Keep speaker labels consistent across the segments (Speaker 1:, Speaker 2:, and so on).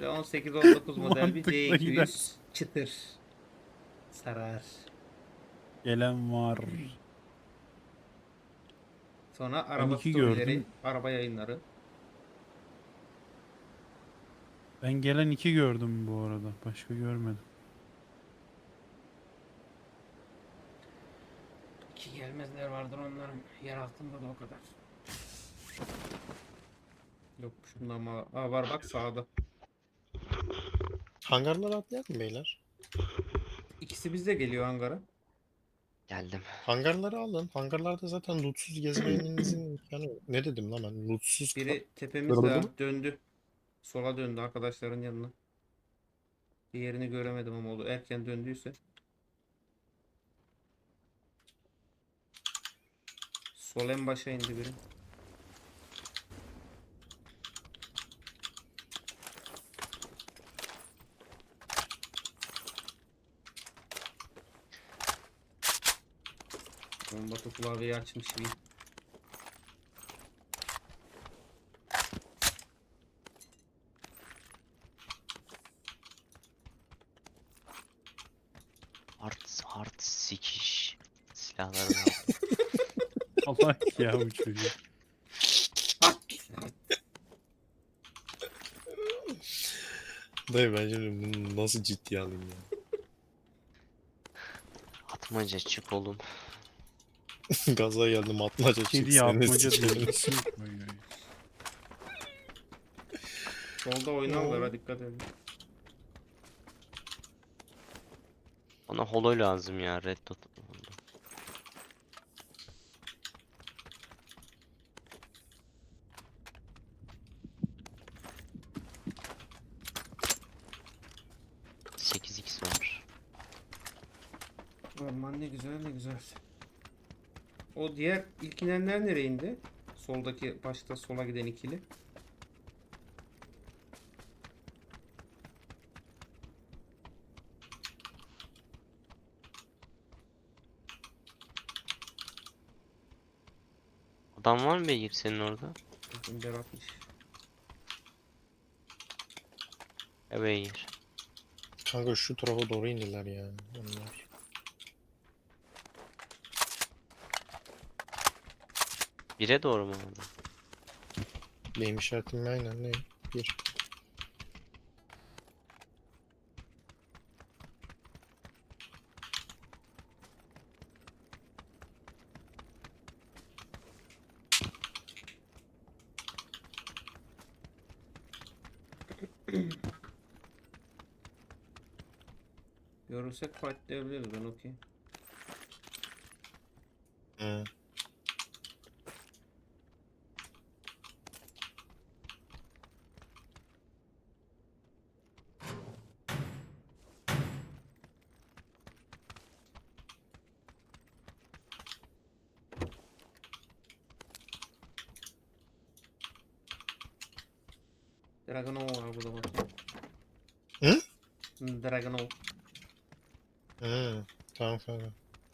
Speaker 1: Böyle 18-19 model bir
Speaker 2: Mantıklı gider.
Speaker 1: C200 çıtır. Sarar.
Speaker 2: Gelen var.
Speaker 1: Sonra
Speaker 2: Ben
Speaker 1: araba
Speaker 2: iki
Speaker 1: storyleri,
Speaker 2: gördüm.
Speaker 1: araba yayınları.
Speaker 2: Ben gelen iki gördüm bu arada. Başka görmedim.
Speaker 1: Ki gelmezler vardır onların. Yer altında da o kadar. Yokmuş bundan ama. Aa, var bak sağda.
Speaker 3: Hangarlara atlayalım mı beyler?
Speaker 1: İkisi bizde geliyor hangara.
Speaker 4: Geldim.
Speaker 3: Hangarları alın. Hangarlarda zaten lootsuz gezmenizin imkanı yok. Ne dedim lan ben? Lootsuz
Speaker 1: Biri tepemizde
Speaker 3: Kırıldı
Speaker 1: ha,
Speaker 3: mı?
Speaker 1: döndü. Sola döndü arkadaşların yanına. Diğerini göremedim ama oldu. Erken döndüyse. Sol en başa indi biri. Bomba klavyeyi açmış gibi.
Speaker 4: Hard sikiş. Silahlarını al.
Speaker 2: Allah ya bu çocuğu.
Speaker 3: Dayı ben şimdi bunu nasıl ciddiye alayım ya?
Speaker 4: Atmaca çık oğlum.
Speaker 3: Gaza geldim atmaca çık
Speaker 2: Kedi
Speaker 3: seni
Speaker 2: yapmaca
Speaker 3: sikerim.
Speaker 2: diyor. İsim koyuyor.
Speaker 1: Solda oynarlar, dikkat edin.
Speaker 4: Bana holo lazım ya. Red dot. ...8x var.
Speaker 1: Orman ne güzel ne güzel. O diğer ilk inenler nereye indi? Soldaki başta sola giden ikili.
Speaker 4: Adam var mı beygir senin orada?
Speaker 1: Bizim Berat'mış.
Speaker 4: Ya beygir.
Speaker 3: Kanka şu tarafa doğru indiler ya onlar.
Speaker 4: Bire doğru mu oldu?
Speaker 3: Benim işaretim aynen ne? Bir.
Speaker 1: Görürsek fightlayabiliriz, ben okey.
Speaker 3: Hı.
Speaker 1: Dragunov var burada bakayım.
Speaker 3: Hı?
Speaker 1: Dragunov.
Speaker 3: Hı. Tamam kanka.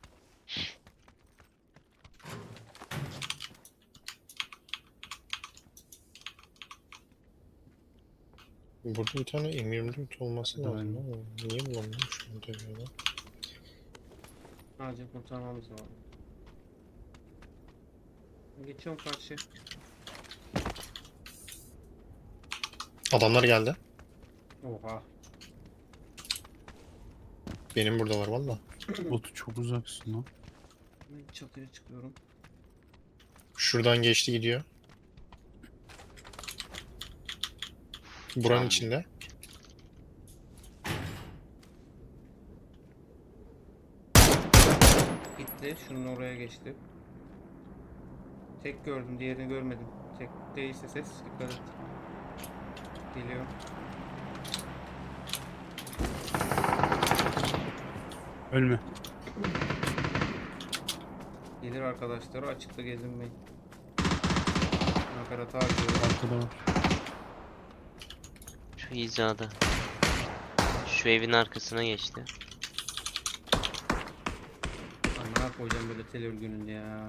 Speaker 3: Burada bir tane M24 olması
Speaker 2: Hadi
Speaker 3: lazım
Speaker 2: ben-
Speaker 3: ama niye bulamıyorum şu an tekrardan?
Speaker 1: Acil kurtarmamız lazım. Geçiyorum karşı.
Speaker 3: Adamlar geldi.
Speaker 1: Oha.
Speaker 3: Benim burada var valla.
Speaker 2: Botu çok uzaksın lan.
Speaker 1: Ben çatıya çıkıyorum.
Speaker 3: Şuradan geçti gidiyor. Buranın
Speaker 4: Tamam.
Speaker 3: içinde.
Speaker 1: Gitti. Şunun oraya geçti. Tek gördüm, diğerini görmedim. Tek değilse ses, dikkat et. Geliyor.
Speaker 2: Ölme.
Speaker 1: Gelir arkadaşları, açıkta gezinmeyin. Nakarat harcıyor.
Speaker 2: Arkada var.
Speaker 4: Şu hizada. Şu evin arkasına geçti.
Speaker 1: Amına koyacağım böyle tel örgünün ya.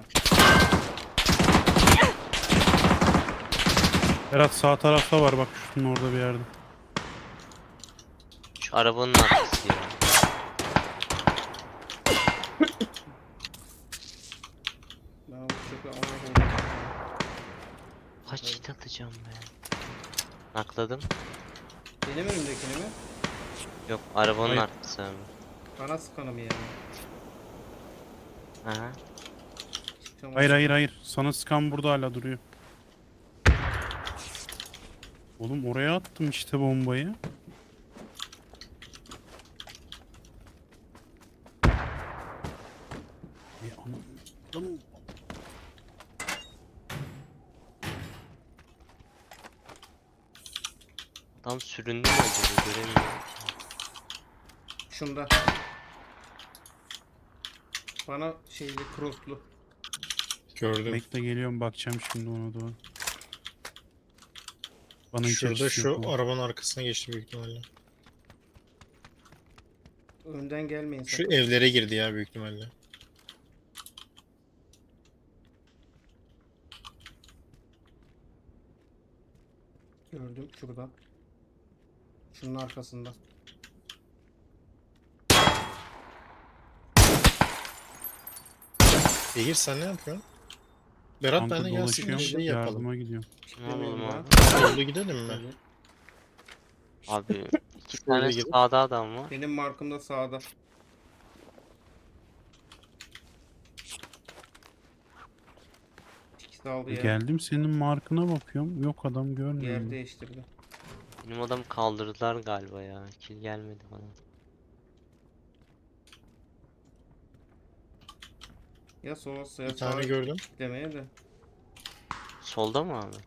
Speaker 2: Berat sağ tarafta var bak şunun orada bir yerde.
Speaker 4: Şu arabanın arkası ya.
Speaker 1: Ben bu çöpe ona koydum.
Speaker 4: Kaç hit atacağım be. Nakladım.
Speaker 1: Benim önümdekini mi?
Speaker 4: Yok arabanın
Speaker 2: Hayır.
Speaker 4: arkası abi.
Speaker 1: Bana sıkanım yani.
Speaker 4: Aha.
Speaker 1: Çıkacağım
Speaker 2: Hayır
Speaker 1: o-
Speaker 2: hayır hayır. Sana sıkan burada hala duruyor. Oğlum oraya attım işte bombayı. Anam.
Speaker 4: Adam süründü mü acaba göremiyorum.
Speaker 1: Şunda. Bana şeyli crosslu.
Speaker 3: Gördüm.
Speaker 2: Bekle geliyorum bakacağım şimdi ona doğru. Bana hiç
Speaker 3: Şurada
Speaker 2: açısı yok
Speaker 3: şu
Speaker 2: ama.
Speaker 3: arabanın arkasına geçti büyük ihtimalle.
Speaker 1: Önden gelmeyin
Speaker 3: Şu
Speaker 1: sakın.
Speaker 3: evlere girdi ya büyük ihtimalle.
Speaker 1: Gördüm şurada. Şunun arkasında.
Speaker 3: Behir sen ne yapıyorsun? Berat
Speaker 2: Kanka
Speaker 3: benle gelsin bir
Speaker 2: dolaşıyorum,
Speaker 3: şey yapalım.
Speaker 2: yardıma gidiyorum.
Speaker 4: Ne yapalım
Speaker 1: Demiyorum
Speaker 4: abi?
Speaker 3: Yolda gidelim mi?
Speaker 1: Evet.
Speaker 4: Abi iki
Speaker 3: Şöyle
Speaker 4: tane
Speaker 3: gelip-
Speaker 4: sağda adam var.
Speaker 1: Benim markım da sağda. İkisi aldı ya.
Speaker 2: Geldim senin markına bakıyorum. Yok adam
Speaker 1: Yer
Speaker 2: görmüyorum.
Speaker 1: değiştirdi.
Speaker 4: Benim adamı kaldırdılar galiba ya. Kill gelmedi bana.
Speaker 1: Ya sola ya
Speaker 3: Bir tane
Speaker 1: sağa
Speaker 3: gördüm.
Speaker 1: demeye de.
Speaker 4: Solda mı abi?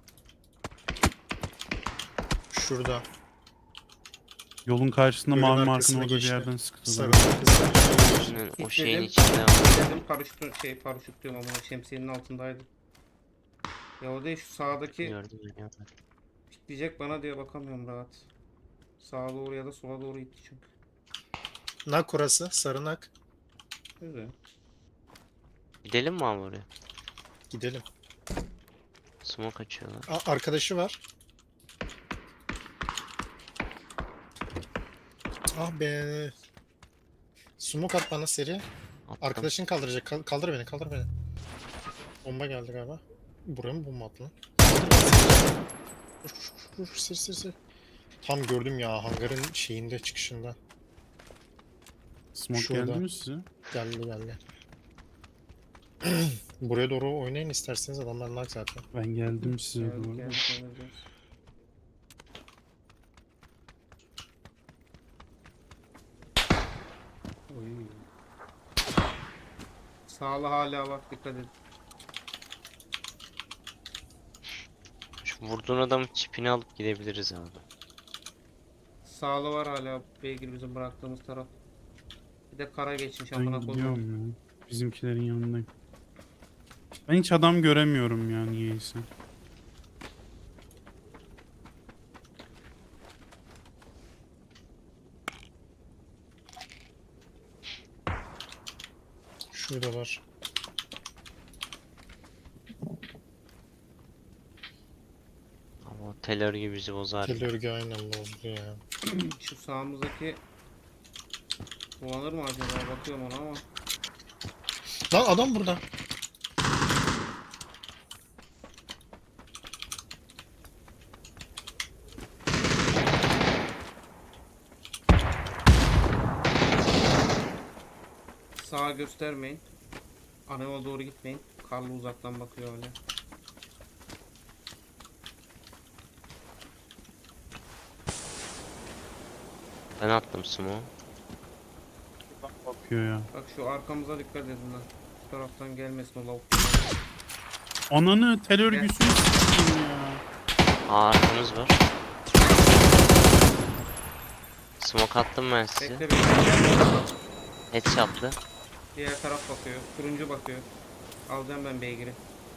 Speaker 3: Şurada.
Speaker 2: Yolun karşısında
Speaker 3: Gölün
Speaker 2: mavi markın
Speaker 3: arkasına
Speaker 2: orada bir
Speaker 3: geçti.
Speaker 2: yerden sıktılar.
Speaker 3: Sarı kızlar.
Speaker 4: O şeyin
Speaker 1: Kilitledim.
Speaker 4: içinde var.
Speaker 1: Dedim paraşüt diyorum ama şemsiyenin altındaydı. Ya o değil şu sağdaki
Speaker 4: Gördüm ya.
Speaker 1: pikleyecek bana diye bakamıyorum rahat. Sağa doğru ya da sola doğru gitti çünkü.
Speaker 3: Nak orası. Sarı nak.
Speaker 1: Güzel.
Speaker 4: Gidelim mi abi oraya?
Speaker 3: Gidelim.
Speaker 4: Smoke açıyorlar.
Speaker 3: Arkadaşı var. Ah be. Smoke at bana seri.
Speaker 4: Attım.
Speaker 3: Arkadaşın kaldıracak. Kaldır beni, kaldır beni. Bomba geldi galiba. Buraya mı bomba attı lan? Vur, seri. Tam gördüm ya hangarın şeyinde çıkışında.
Speaker 2: Smoke
Speaker 3: Şurada.
Speaker 2: geldi mi size?
Speaker 3: Geldi. Buraya doğru oynayın isterseniz adamlar nak zaten.
Speaker 2: Ben geldim size
Speaker 1: Geldik
Speaker 2: doğru.
Speaker 1: geldik. Oy. Sağlı hala bak dikkat edin.
Speaker 4: Şu vurduğun adamın çipini alıp gidebiliriz abi.
Speaker 1: Sağlı var hala beygir bizim bıraktığımız taraf. Bir de kara geçmiş
Speaker 2: Ben
Speaker 1: amına koyayım.
Speaker 2: gidiyorum ya. Bizimkilerin yanındayım. Ben hiç adam göremiyorum ya niyeyse.
Speaker 3: Şuradalar.
Speaker 4: Ama tel örgü bizi bozar.
Speaker 3: Tel örgü aynen bozdu ya.
Speaker 1: Şu sağımızdaki kullanır mı acaba? Bakıyorum ona ama.
Speaker 3: Lan adam burada.
Speaker 1: Sağa göstermeyin. Aneva doğru gitmeyin. Karlı uzaktan bakıyor öyle.
Speaker 4: Ben attım smoke.
Speaker 2: Bakıyor ya.
Speaker 1: Bak şu arkamıza dikkat edin lan. Şu taraftan gelmesin o lavuk.
Speaker 2: Ananı tel örgüsünü s**eyim ya.
Speaker 4: Aa arkamız var. Smoke attım ben size.
Speaker 1: Bekle bekle.
Speaker 4: Headshot'lı.
Speaker 1: Diğer taraf bakıyor. Turuncu bakıyor. Alacağım ben beygiri.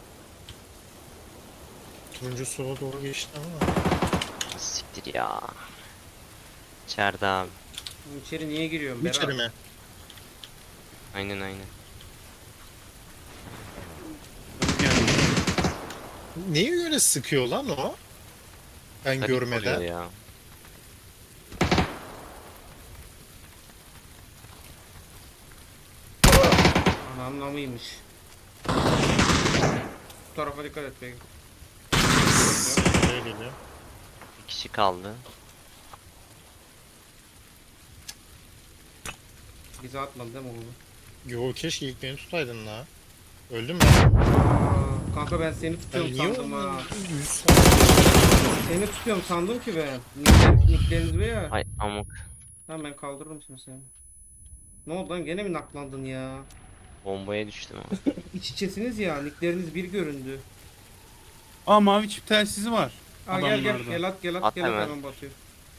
Speaker 3: Turuncu sola doğru geçti ama.
Speaker 4: Siktir ya. İçeride abi.
Speaker 1: İçeri niye giriyorum? Berat?
Speaker 3: İçeri mi?
Speaker 4: Aynen.
Speaker 2: Geldi.
Speaker 3: Neyi öyle sıkıyor lan o? Ben
Speaker 4: Garip
Speaker 3: görmeden.
Speaker 4: oluyor ya.
Speaker 1: anlamıymış. Bu tarafa dikkat et be.
Speaker 3: Buraya geliyor.
Speaker 4: Bir kişi kaldı.
Speaker 1: Bize atmadı değil mi oğlum?
Speaker 3: Yo keşke ilk beni tutaydın la. Öldüm mü?
Speaker 1: Aa, kanka ben seni
Speaker 3: Ben
Speaker 1: tutuyorum
Speaker 3: niye
Speaker 1: sandım ha.
Speaker 3: olmadı? 100
Speaker 1: Seni tutuyorum sandım ki ben. Nickleriniz be ya.
Speaker 4: Ay amık.
Speaker 1: Tamam ben kaldırırım şimdi seni. Ne oldu lan gene mi naklandın ya?
Speaker 4: Bombaya düştüm ama.
Speaker 1: İç içesiniz ya nickleriniz bir göründü.
Speaker 2: Aa mavi çip telsizi var.
Speaker 1: Aa gel gel
Speaker 2: Adamlarda.
Speaker 1: gel at gel at
Speaker 4: At
Speaker 1: gel at
Speaker 4: hemen.
Speaker 1: hemen batıyor.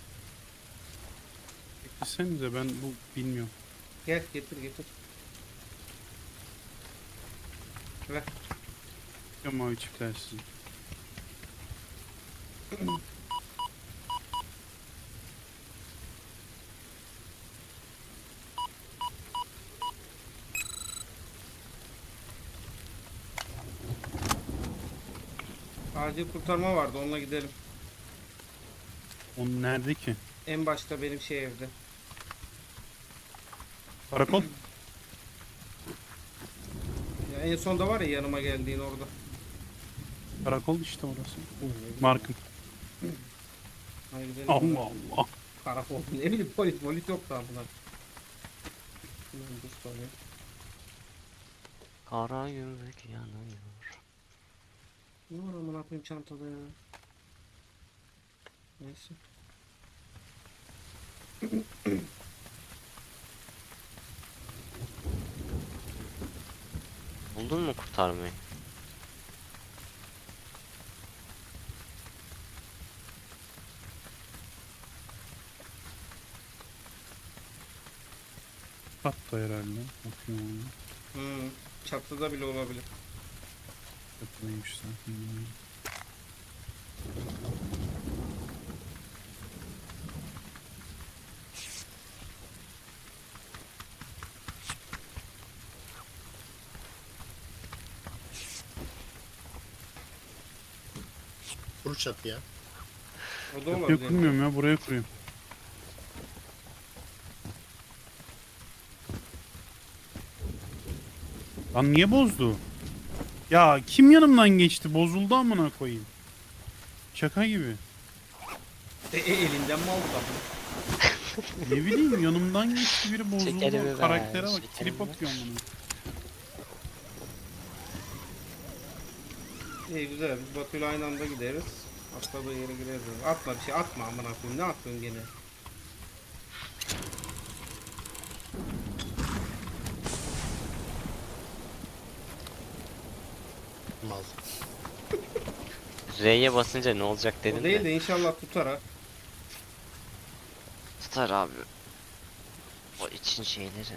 Speaker 2: Beklesenize ben bu bilmiyorum.
Speaker 1: Gel getir getir. Ver.
Speaker 2: Ya mavi çip telsizi.
Speaker 1: Acil kurtarma vardı onunla gidelim.
Speaker 2: Onun nerede ki?
Speaker 1: En başta benim şey evde.
Speaker 2: Karakol.
Speaker 1: Ya en sonda var ya yanıma geldiğin orada.
Speaker 2: Karakol işte orası. Markım.
Speaker 1: Hadi gidelim.
Speaker 2: Allah Allah.
Speaker 1: Karakol. Ne bileyim polis yok daha bunlar. Dur sonra.
Speaker 4: Kara gümrük yanıyor.
Speaker 1: Ne var amına koyayım çantada ya. Neyse.
Speaker 4: Buldun mu kurtarmayı?
Speaker 2: Hatta herhalde. Bakıyorum.
Speaker 1: Çatıda bile olabilir.
Speaker 2: Kapıdaymış zaten.
Speaker 3: Kur çatı ya.
Speaker 1: O da
Speaker 2: Kapıyı
Speaker 1: olabilir.
Speaker 2: kurmuyorum ya buraya kuruyorum. Lan niye bozdu? Ya kim yanımdan geçti? Bozuldu amına koyayım. Şaka gibi.
Speaker 1: Elinden mi aldı da?
Speaker 2: Ne bileyim yanımdan geçti biri bozuldu.
Speaker 4: Şekerimi ver,
Speaker 2: Karaktere bak
Speaker 4: şekerimi
Speaker 2: trip
Speaker 4: ver.
Speaker 2: atıyor amına.
Speaker 1: İyi güzel biz Batu'yla aynı anda gideriz. Atladığı yere gireriz. Atma bir şey atma amına koyayım. Ne atıyorsun gene?
Speaker 3: Mal.
Speaker 4: R'ye basınca ne olacak
Speaker 1: O
Speaker 4: dedim
Speaker 1: değil
Speaker 4: de.
Speaker 1: de inşallah tutar ha.
Speaker 4: Tutar abi. O için şeyleri.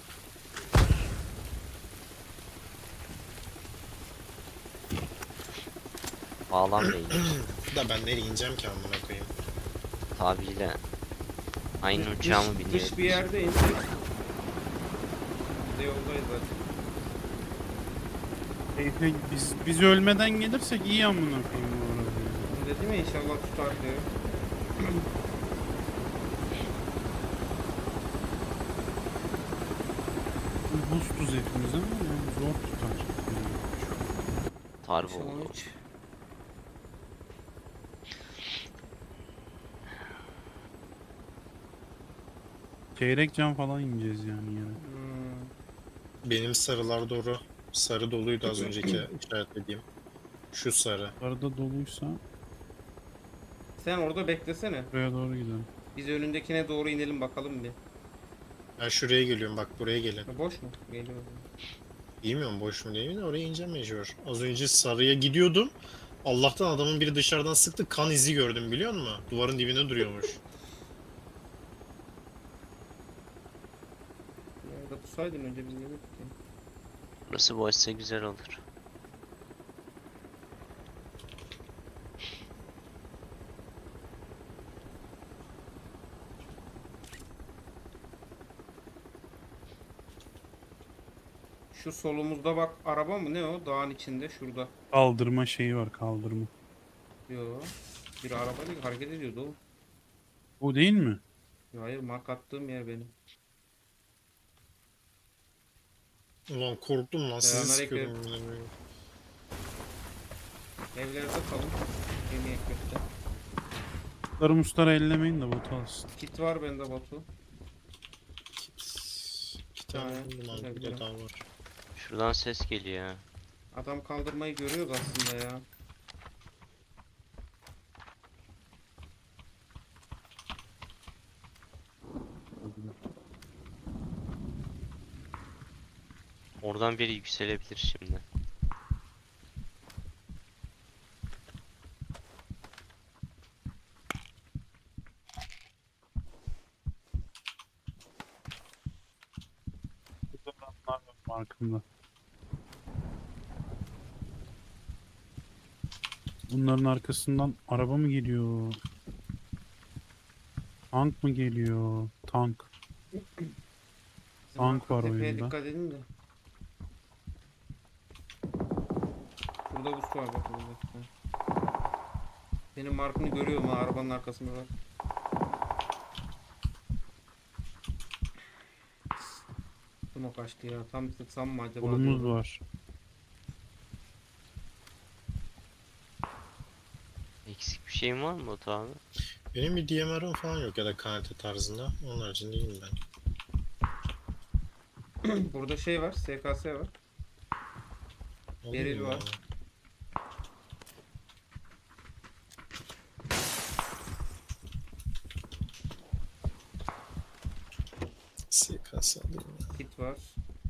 Speaker 4: Bağlam değil.
Speaker 3: Da ben nereye ineceğim ki amına koyayım.
Speaker 4: Tabiyle. Aynı uçağımı biniyor.
Speaker 1: Dış bir yerde insek. Biz de yoldayız zaten.
Speaker 2: Biz ölmeden gelirsek iyi amına koyayım bu arada.
Speaker 1: Dedim ya inşallah tutar diye.
Speaker 2: Buz tuz hepimiz ama yani zor tutar.
Speaker 4: Tarih
Speaker 1: İnşallah
Speaker 4: oldu.
Speaker 1: hiç.
Speaker 2: Çeyrek can falan ineceğiz yani yere.
Speaker 3: Benim sarılar doğru. Sarı doluydu az önceki işaretlediğim. Şu sarı.
Speaker 2: Arada doluysa
Speaker 1: Sen orada beklesene.
Speaker 2: buraya doğru gidelim.
Speaker 1: Biz önündekine doğru inelim bakalım bir.
Speaker 3: Ben şuraya geliyorum bak buraya gelin.
Speaker 1: Ha, boş mu? Geliyor.
Speaker 3: Bilmiyorum boş mu değil mi de oraya ineceğim mecbur. Az önce sarıya gidiyordum. Allah'tan adamın biri dışarıdan sıktı kan izi gördüm biliyor musun? Duvarın dibinde duruyormuş.
Speaker 1: Ya da tutsaydın önce biz gelirdik ya.
Speaker 4: Burası boşsa güzel olur.
Speaker 1: Şu solumuzda bak araba mı ne o? Dağın içinde şurada.
Speaker 2: Kaldırma şeyi var kaldırma.
Speaker 1: Yo. Bir araba değil hareket ediyordu o.
Speaker 2: O değil mi?
Speaker 1: Ya hayır mark attığım yer benim.
Speaker 3: Ulan korktum lan, sizi
Speaker 1: Selamünaleyküm.
Speaker 3: sıkıyordum yemin ediyorum.
Speaker 1: Evlerde kalın. Yemeğe köfte.
Speaker 2: Musları musları ellemeyin de bot alsın.
Speaker 1: Kit var bende Batu.
Speaker 3: İki tane
Speaker 1: Aynen,
Speaker 3: buldum abi,
Speaker 1: güzel,
Speaker 3: burada
Speaker 1: güzel.
Speaker 3: daha var.
Speaker 4: Şuradan ses geliyor ha.
Speaker 1: Adam kaldırmayı görüyoruz aslında ya.
Speaker 4: Oradan biri yükselebilir şimdi.
Speaker 2: Burada adamlar var markımda. Bunların arkasından araba mı geliyor? Tank mı geliyor? Tank.
Speaker 1: Bizim
Speaker 2: Tank
Speaker 1: arka
Speaker 2: var
Speaker 1: tepeye
Speaker 2: oyunda.
Speaker 1: dikkat edin de. Burada buz var bak burada. Benim markını görüyorum ha, arabanın arkasında var. Bunu kaçtı ya. Tam sıksam mı acaba?
Speaker 2: Kolumuz
Speaker 1: diyorum.
Speaker 2: var.
Speaker 4: Eksik bir şeyin var mı Batu abi?
Speaker 3: Benim bir DMR'ım falan yok ya da KNT tarzında. Onun haricinde iyiyim ben.
Speaker 1: Burada şey var. SKS var.
Speaker 3: Alayım
Speaker 1: Beril
Speaker 3: mı
Speaker 1: var.
Speaker 3: ya? SKS alayım ya.
Speaker 1: Kit var.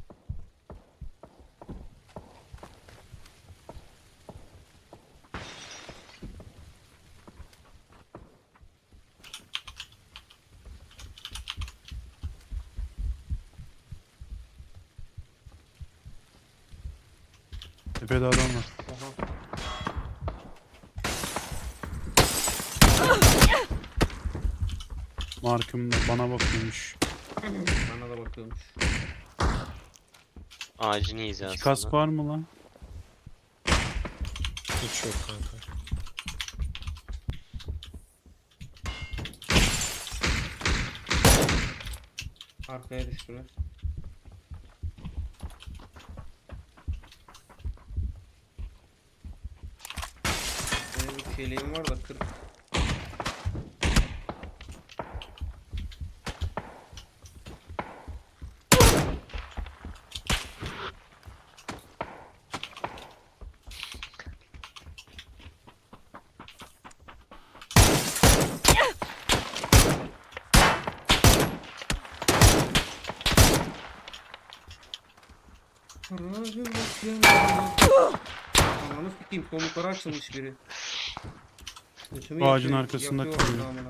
Speaker 2: Tepede adam var.
Speaker 1: Oha.
Speaker 2: Markımda bana bakıyormuş.
Speaker 1: Bana da bakıyormuş.
Speaker 4: Ağacın
Speaker 2: İki
Speaker 4: hizasında.
Speaker 2: kask var mı lan?
Speaker 3: Hiç yok kanka.
Speaker 1: Arkaya düştüler. Benim bir şeyliğim var da 40. Ananı sikeyim, solukları açılmış biri. Götümü
Speaker 2: Bu ağacın
Speaker 1: yakıyor-
Speaker 2: arkasında
Speaker 1: yakıyor
Speaker 2: kalıyor.
Speaker 1: namına.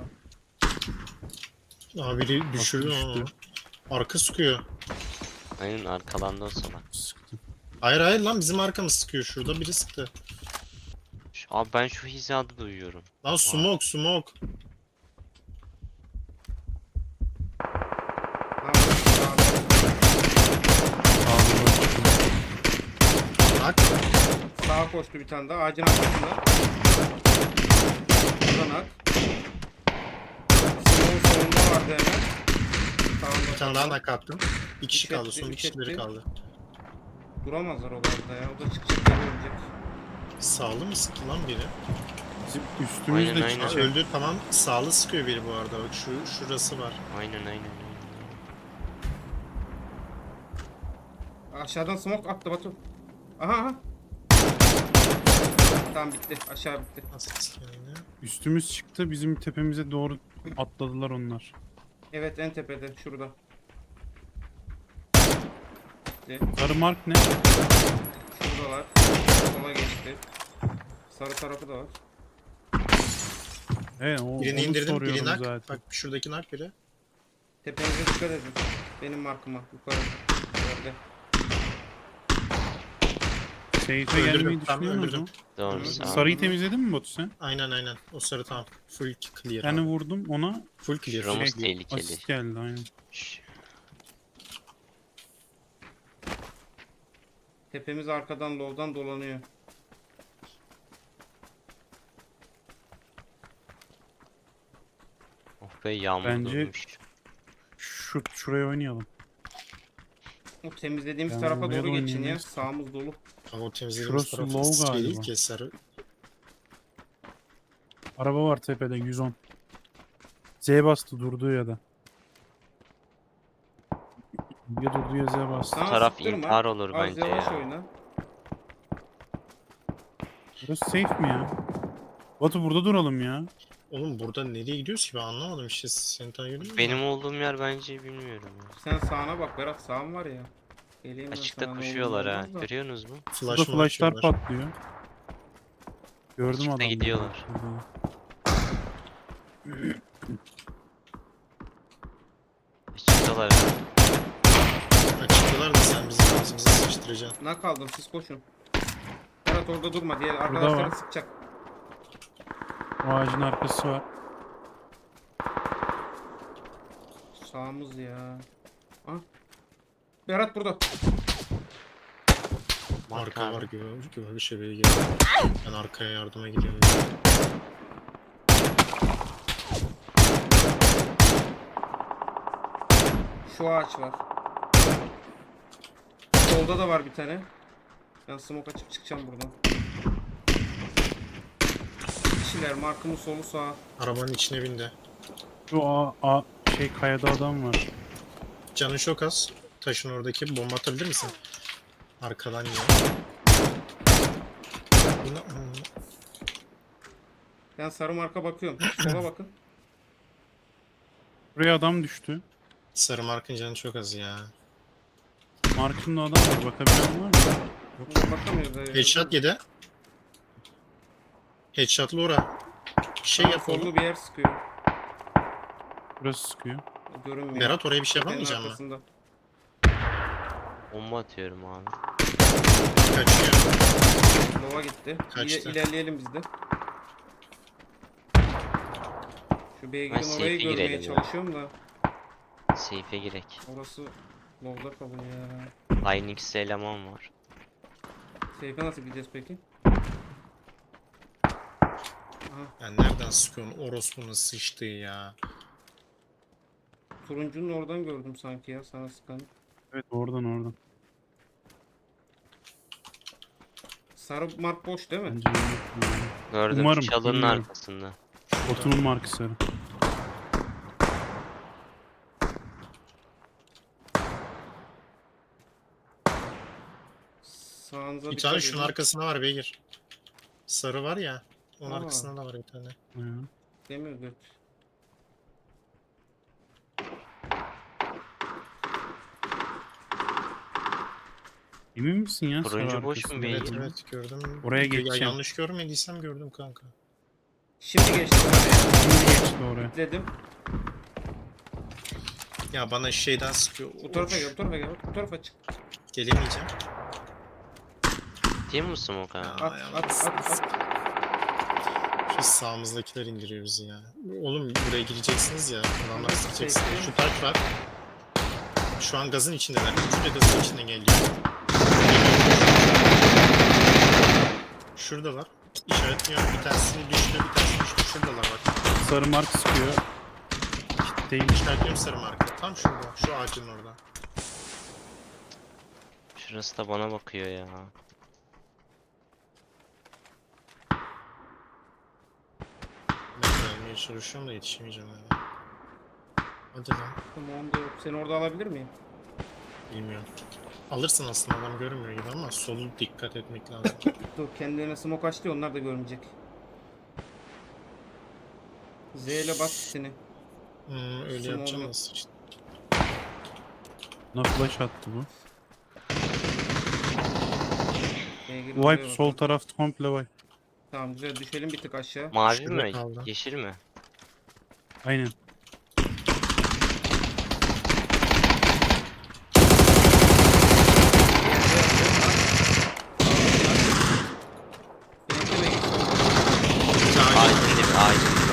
Speaker 3: Abi biri düşürdü
Speaker 2: düştü.
Speaker 3: ama. Arka sıkıyor.
Speaker 4: Aynen arkalandı o salak.
Speaker 2: Sıktım.
Speaker 3: Hayır hayır lan, bizim arkamız sıkıyor, şurada biri sıktı.
Speaker 4: Abi ben şu hizada duyuyorum.
Speaker 3: Lan smoke smoke.
Speaker 1: Ha, sağda.
Speaker 3: Bak.
Speaker 1: Sağa koştu bir tane daha, ağacın arkasında. Buradan at. Sınırın sonunda vardı hemen. Sağında.
Speaker 3: Bir tane daha nak attım. Bir kişi
Speaker 1: Üç
Speaker 3: kaldı,
Speaker 1: etti,
Speaker 3: son bir
Speaker 1: üç
Speaker 3: kişileri
Speaker 1: etti.
Speaker 3: kaldı.
Speaker 1: Duramazlar o gazda ya. O da çıkacak, geri ölecek.
Speaker 3: Sağlı mı sıktı lan biri?
Speaker 2: Bizim üstümüzde
Speaker 4: Aynen, aynen.
Speaker 3: Ha,
Speaker 2: çıkacak.
Speaker 3: öldü tamam, sağlı sıkıyor biri bu arada. Bak şurası var.
Speaker 4: Aynen aynen.
Speaker 1: Aşağıdan smoke attı Batu. Aha aha. Tamam bitti. Aşağı bitti.
Speaker 3: Nasıl yani?
Speaker 2: Üstümüz çıktı. Bizim tepemize doğru atladılar onlar.
Speaker 1: Evet, en tepede şurada. Bitti.
Speaker 2: Sarı mark ne?
Speaker 1: Şuradalar. Sola geçti. Sarı tarafı da var.
Speaker 3: Birini
Speaker 2: Onu
Speaker 3: indirdim,
Speaker 2: soruyorum
Speaker 3: biri nak.
Speaker 2: zaten.
Speaker 3: Bak şuradaki nak biri.
Speaker 1: Tepenize dikkat edin. Benim markıma. Yukarı. Yerde.
Speaker 2: Seyfe
Speaker 3: Öldürdüm,
Speaker 2: gelmeyi
Speaker 3: tamam,
Speaker 2: düşünüyor musun?
Speaker 3: öldürdüm.
Speaker 4: Doğru
Speaker 1: Hı.
Speaker 4: sağ ol.
Speaker 2: Sarıyı temizledin mi Batu sen?
Speaker 3: Aynen aynen. O sarı tamam. Full clear.
Speaker 2: Yani
Speaker 3: abi.
Speaker 2: vurdum ona
Speaker 3: Full clear.
Speaker 4: Şuramız
Speaker 3: full clear.
Speaker 4: tehlikeli.
Speaker 2: asist geldi aynen.
Speaker 4: Şş,
Speaker 1: Tepemiz arkadan low'dan dolanıyor.
Speaker 4: Oh be yağmur
Speaker 2: Bence-
Speaker 4: durmuş.
Speaker 2: Şuraya oynayalım.
Speaker 1: O temizlediğimiz
Speaker 2: Ya,
Speaker 1: tarafa
Speaker 2: oraya
Speaker 1: doğru
Speaker 2: da
Speaker 1: geçin ya.
Speaker 2: oynayamayız.
Speaker 1: Sağımız dolu.
Speaker 3: Ama o temizlediğimiz
Speaker 2: Şurası
Speaker 3: taraf
Speaker 2: low
Speaker 3: şey değil
Speaker 2: galiba.
Speaker 3: ki sarı.
Speaker 2: Araba var tepede 110. Z bastı durduğu ya da. Ya durduğu ya Z bastı.
Speaker 1: Sana
Speaker 4: taraf
Speaker 1: sıktırma.
Speaker 4: intihar olur
Speaker 1: Az
Speaker 4: bence
Speaker 1: yavaş
Speaker 4: ya.
Speaker 1: oyna.
Speaker 2: Burası safe mi ya? Batu burada duralım ya.
Speaker 3: Oğlum burada nereye gidiyoruz ki ben anlamadım işte seni takip mü?
Speaker 4: Benim olduğum yer bence bilmiyorum ya.
Speaker 1: Sen sağına bak Berat, sağın var ya. Geleyim ben
Speaker 4: Açıkta
Speaker 1: sana, ne olur ne
Speaker 4: koşuyorlar ha.
Speaker 1: olmaz da.
Speaker 4: Görüyorsunuz mu?
Speaker 2: Burada
Speaker 3: Flash mı
Speaker 2: flashlar
Speaker 3: atıyorlar?
Speaker 2: patlıyor. Gördüm
Speaker 4: Açıkta
Speaker 2: adamları.
Speaker 4: gidiyorlar. Açıktalar ya.
Speaker 3: Açıktılar da sen bizim ağzımıza sıçtıracaksın.
Speaker 1: Ne kaldım, siz koşun. Berat orada durma, diğer
Speaker 2: var.
Speaker 1: arkadaşları sıkacak.
Speaker 2: O ağacın arkası var.
Speaker 1: Sağımız ya. Ah. Berat burada.
Speaker 3: Arka
Speaker 4: abi.
Speaker 3: var gibi bir şey geliyor. Ben arkaya yardıma gidiyorum.
Speaker 1: Şu ağaç var. Solda da var bir tane. Ben smoke açıp çıkacağım buradan. Kişiler, markımın solu sağ.
Speaker 3: Arabanın içine bindi.
Speaker 2: Şu kayada adam var.
Speaker 3: Canın çok az. Taşın oradaki bomba atabilir misin? Arkadan ya.
Speaker 1: Ben sarı marka bakıyorum. Sola bakın.
Speaker 2: Buraya adam düştü.
Speaker 3: Sarı markın canı çok az ya.
Speaker 2: Markında adam var. Bakabilen var mı?
Speaker 1: Bakamıyoruz. da ya.
Speaker 3: Headshot yedi. Headshot'lı ora. Bir şey
Speaker 1: Sağ
Speaker 3: yap oğlum.
Speaker 1: sollu bir yer sıkıyor.
Speaker 2: Burası sıkıyor.
Speaker 1: Görünmüyor.
Speaker 3: Berat oraya bir şey
Speaker 1: Tepenin
Speaker 3: yapamayacak mı?
Speaker 1: arkasında.
Speaker 4: Bomba atıyorum abi.
Speaker 3: Kaçıyor.
Speaker 1: Lova gitti.
Speaker 3: Kaçtı.
Speaker 1: İlerleyelim biz de. Şu beygir'in
Speaker 4: Ben
Speaker 1: orayı
Speaker 4: safe'e
Speaker 1: görmeye
Speaker 4: girelim ya.
Speaker 1: çalışıyorum da.
Speaker 4: Seyfe girek.
Speaker 1: Orası Lov'da kalıyor ya.
Speaker 4: Hynix'te eleman var.
Speaker 1: Safe'e nasıl gideceğiz peki? Aha,
Speaker 3: Ya nereden sıkıyorsun? Orospu'nun sıçtığı ya.
Speaker 1: turuncunun oradan gördüm sanki ya, sana sıkan.
Speaker 2: Evet oradan.
Speaker 1: Sarı mark boş değil mi?
Speaker 2: Bence yok.
Speaker 4: Gördüm
Speaker 2: Umarım,
Speaker 4: çalının
Speaker 2: bilmiyorum.
Speaker 4: arkasında.
Speaker 2: Botunun markası.
Speaker 1: Sağınıza
Speaker 3: Bir
Speaker 1: dikkat
Speaker 3: tane şunun
Speaker 1: edin.
Speaker 3: arkasında var beygir. Sarı var ya. Onun
Speaker 1: Aa.
Speaker 3: arkasında da var bir tane.
Speaker 1: Demir göt.
Speaker 2: Emin misin ya?
Speaker 4: Turuncu
Speaker 2: sarı
Speaker 4: boş
Speaker 2: arkası?
Speaker 4: mu beygir?
Speaker 3: Evet
Speaker 4: mi?
Speaker 3: evet gördüm.
Speaker 2: Oraya
Speaker 3: Ya
Speaker 2: geçeceğim.
Speaker 3: yanlış görmediysem gördüm kanka.
Speaker 1: Şimdi geçtim oraya.
Speaker 2: Şimdi geçti oraya.
Speaker 1: Dedim.
Speaker 3: Ya bana şeyden sıkıyor.
Speaker 1: Bu tarafa gel, bu tarafa gel. Bu tarafa çık.
Speaker 3: Gelemeyeceğim.
Speaker 4: Değil mi smoke abi?
Speaker 1: At, at.
Speaker 3: Şu sağımızdakiler indiriyor bizi ya. Oğlum buraya gireceksiniz ya. Adamlar
Speaker 1: Evet,
Speaker 3: sıkacaksınız.
Speaker 1: peki.
Speaker 3: Şu taş var. Şu an gazın içindeler. Üçü de gazın içinden geliyor. Şuradalar. İşaretliyorum. Bir tanesini düştü, bir tanesini düştü. Şuradalar bak.
Speaker 2: Sarı mark sıkıyor. Değil.
Speaker 3: İşaretliyorum sarı marka. Tam şurada. Şu ağacın orada.
Speaker 4: Şurası da bana bakıyor ya.
Speaker 3: Ben gelmeye çalışıyorum da yetişemeyeceğim ya. Hadi lan.
Speaker 1: Tamam, onda yok. Seni orada alabilir miyim?
Speaker 3: Bilmiyorum. Alırsın aslında adam görünmüyor gibi ama solu dikkat etmek lazım.
Speaker 1: Dur, kendilerine smoke açtı, onlar da görmeyecek. Z ile bas seni.
Speaker 3: Öyle
Speaker 1: Smoke'u-
Speaker 3: yapacağım nasıl işte.
Speaker 2: Buna flash attı bu.
Speaker 1: Oraya
Speaker 2: Wipe sol
Speaker 1: bakalım.
Speaker 2: taraf komple wipe.
Speaker 1: Tamam, güzel, düşelim bir tık aşağı.
Speaker 4: Mavi
Speaker 3: Şurada
Speaker 4: mi?
Speaker 3: kaldı.
Speaker 4: Yeşil mi?
Speaker 2: Aynen.
Speaker 1: Benim de
Speaker 4: Ağacın dibi, ağacın dibi.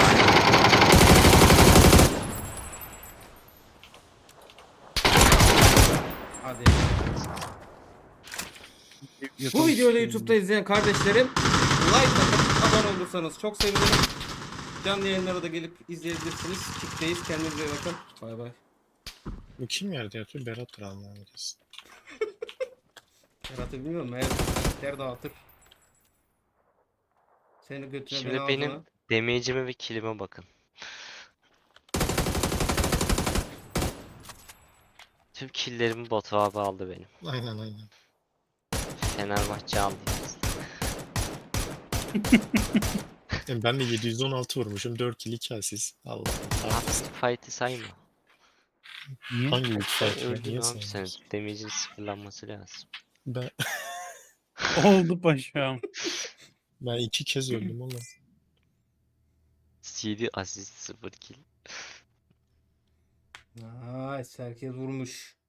Speaker 1: hadi. Bu videoyu da YouTube'da izleyen kardeşlerim, like atıp abone olursanız çok sevinirim. Canlı yayınlara da gelip izleyebilirsiniz. Kickteyiz. Kendinize iyi bakın. Bay bay.
Speaker 3: Bu kim yerde yatıyor? Berat'tır Allah'ın kesin.
Speaker 1: Serhat'ı bilmiyorum. Her dağıtır. Seni götüne
Speaker 4: Şimdi
Speaker 1: beni ağzına.
Speaker 4: benim damage'ime ve kill'ime bakın. Tüm kill'lerimi Batu abi aldı benim.
Speaker 3: Aynen aynen.
Speaker 4: Fenerbahçe aldı.
Speaker 3: Yani ben de 716 vurmuşum. 4 kill 2 asist. Allah Allah.
Speaker 4: Artık fight'ı sayma.
Speaker 2: Niye?
Speaker 3: Hangi güç
Speaker 4: Sen
Speaker 3: fight ya?
Speaker 4: öldün
Speaker 3: Niye
Speaker 4: abi, sen
Speaker 3: sayıyorsun?
Speaker 4: damage'in sıfırlanması lazım.
Speaker 3: Ben,
Speaker 2: Oldu paşam.
Speaker 3: ben 2 kez öldüm oğlum.
Speaker 4: CD asist 0 kill.
Speaker 1: Nice. Herkes vurmuş.